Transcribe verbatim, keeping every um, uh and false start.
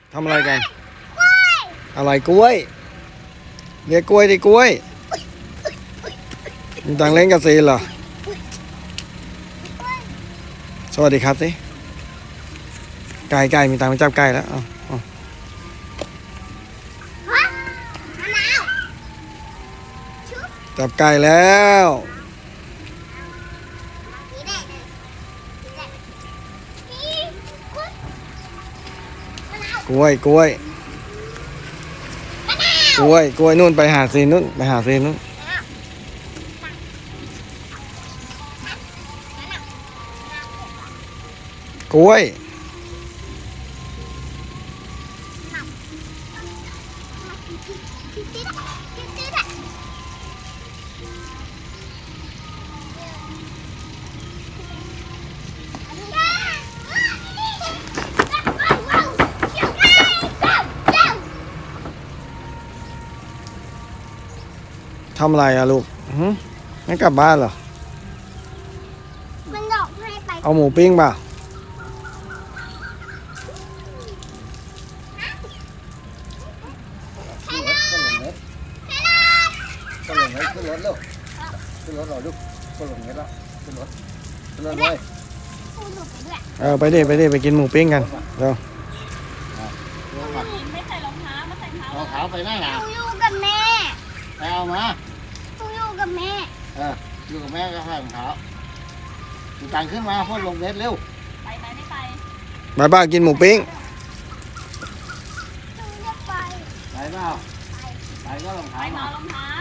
ทำอะไรกันอะไรกล้วยเรียกกล้วยดิกล้วยมีตังเล่นกับซีนเหรอสวัสดีครับสิไก่ไก่มีตังไปจับไก่แล้วเอาเอาจับไก่แล้วกล้วยกล้วยกล้วยกล้วยนู่นไปหาซีนนู่นไปหาซีนนู่นกล้วยทำอะไรอะลูกหืมไม่กลับบ้านเหรอมันหลอกให้ไปเอาหมูปิ้งเปล่าขึ้นรถขึ้นรถขึ้นรถลูกขึ้นรถหน่อยลูกขึ้นรถเงี้ยแล้วขึ้นรถขึ้นรถเลยพูดหลุดไปด้วยเออไปดิไปดิไปกินหมูปิ้งกันเร็วไม่ใส่รองเท้ามาใส่เท้ารองเท้าไปไหนล่ะหนูอยู่กับแม่ไปเอามาหนูอยู่กับแม่เอออยู่กับแม่ก็ใส่รองเท้าดูตังขึ้นมาพ่นลงเน็ตเร็วไปไหมไม่ไปมาบ้ากินหมูปิ้งหนูจะไปไปเปล่าไปก็รองเท้าไปมามารองเท้า